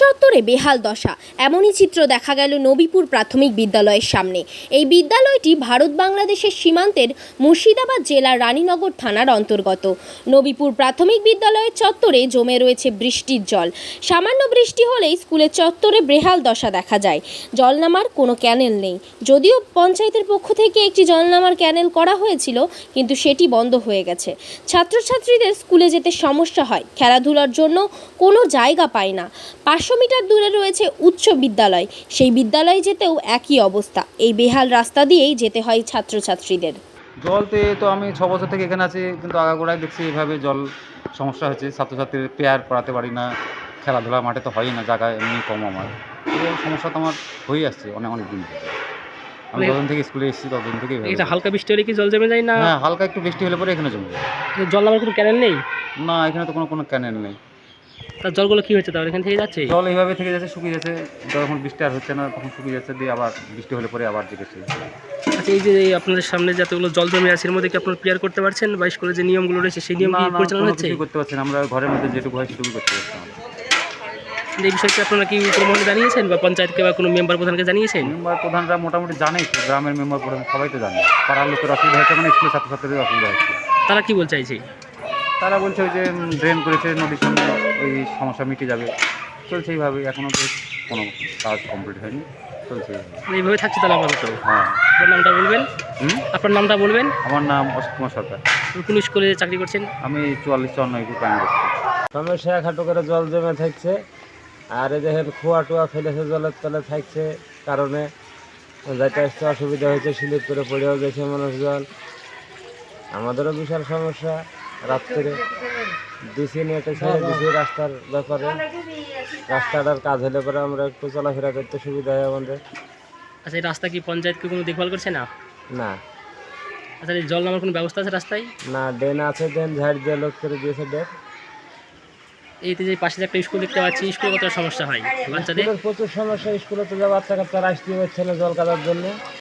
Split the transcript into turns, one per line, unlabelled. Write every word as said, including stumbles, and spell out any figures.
চত্বরে বেহাল দশা, এমনই চিত্র দেখা গেল নবীপুর প্রাথমিক বিদ্যালয়ের সামনে। এই বিদ্যালয়টি ভারত বাংলাদেশের সীমান্তের মুর্শিদাবাদ জেলার রানীনগর থানার অন্তর্গত। নবীপুর প্রাথমিক বিদ্যালয়ের চত্বরে জমে রয়েছে বৃষ্টির জল। সামান্য বৃষ্টি হলেই স্কুলের চত্বরে বেহাল দশা দেখা যায়। জল নামার কোনো ক্যানেল নেই। যদিও পঞ্চায়েতের পক্ষ থেকে একটি জল নামার ক্যানেল করা হয়েছিল, কিন্তু সেটি বন্ধ হয়ে গেছে। ছাত্রছাত্রীদের স্কুলে যেতে সমস্যা হয়, খেলাধুলার জন্য কোনো জায়গা পায় না। পাঁচশো মিটার দূরে রয়েছে উচ্চ বিদ্যালয়, সেই বিদ্যালয়ে যেতেও একই অবস্থা। এই বেহাল রাস্তা দিয়েই যেতে হয় ছাত্রছাত্রীদের।
জল তো এই তো আমি ছ বছর থেকে এখানে আছি, কিন্তু আগাগোড়ায় দেখছি এইভাবে জল সমস্যা হচ্ছে। ছাত্রছাত্রীদের পেয়ার পড়াতে পারি না, খেলাধুলা মাঠে তো হয়ই না, জায়গা এমনি কম আমার। এই সমস্যা তো আমার হয়েই আসছে অনেক অনেক দিন থেকে। আমি যতদিন থেকে স্কুলে এসেছি ততদিন থেকেই
এটা হালকা বৃষ্টি হলে কি জল জমে যায় না?
হ্যাঁ, হালকা একটু বৃষ্টি হলে পরে এখানে জমে যায়।
জল নামার কোনো ক্যানেল নেই?
না, এখানে তো কোনো কোনো ক্যানেল নেই।
তার জলগুলো কি হচ্ছে তাহলে এখান থেকে যাচ্ছে?
জল এইভাবে থেকে যাচ্ছে, শুকিয়ে যাচ্ছে। যখন বৃষ্টি আর হচ্ছে না তখন শুকিয়ে যাচ্ছে, দিয়ে আবার বৃষ্টি হলে পরে আবার জিজ্ঞেস।
আচ্ছা, এই যে এই আপনাদের সামনে যতগুলো জল জমে আছে এর মধ্যে কি আপনারা ক্লিয়ার করতে পারছেন, বা স্কুলের যে নিয়মগুলো রয়েছে সেই নিয়ম কি পরিচালনা হচ্ছে?
কিছু করতে পারছেন, আমরা ঘরের মধ্যে যেটুকু হয় সেটুকু করতে পারছি।
এই বিষয়টি আপনারা কি উপমহলে জানিয়েছেন বা পঞ্চায়েতকে বা কোনো মেম্বার প্রধানকে জানিয়েছেন?
মেম্বার প্রধানরা মোটামুটি জানেই তো, গ্রামের মেম্বার প্রধান সবাই তো জানে। পাড়ার লোকের অসুবিধা হচ্ছে, মানে স্কুলের ছাত্রছাত্রীদের অসুবিধা হচ্ছে।
তারা কি বলতে চাইছে?
তারা বলছে ওই যে ড্রেন করেছে নদীর সামনে, ওই সমস্যা মিটে যাবে। চলছে এইভাবে, এখনও তো কোনো কাজ কমপ্লিট হয়নি, চলছে
এইভাবে থাকছে তাহলে আপাতত।
হ্যাঁ।
আপনার নামটা বলবেন?
হুম
আপনার নামটা বলবেন?
আমার নাম অসিত কুমার সরকার।
কোন স্কুলে চাকরি করছেন?
আমি চুয়াল্লিশ চুয়ান্ন প্রাইমারি স্কুল।
সমস্যা খাটো করে জল জমে থাকছে, আর এই দেখেন খোয়া টোয়া ফেলেছে জলের তলে থাকছে, কারণে যাইতে আসতে অসুবিধা হয়েছে, স্লিপ করে পড়েও গেছে মানুষজন। আমাদেরও বিশাল সমস্যা। রাত্রে ডিসি নিয়ে একটা ছেড়ে দিছি রাস্তার ব্যাপারে, রাস্তাটার কাজ হলে পরে আমরা একটু চলাফেরা করতে সুবিধা হয় আমাদের।
আচ্ছা, এই রাস্তা কি পঞ্চায়েতকে কোনো দেখভাল করছে না?
না
আচ্ছা, এই জল নামার কোনো ব্যবস্থা আছে রাস্তায়?
না, ড্রেন আছে, ড্রেন ঝাড় দিয়ে লোক করে দিয়েছে ড্রেন।
এইতে যে পাশে যে একটা স্কুল দেখতে পাচ্ছি, স্কুলে কত সমস্যা হয় বাচ্চাদের?
স্কুলের প্রচুর সমস্যা, স্কুলে তো যা বাচ্চা কাচ্চারা আসতে হচ্ছে না জল কাদার জন্য।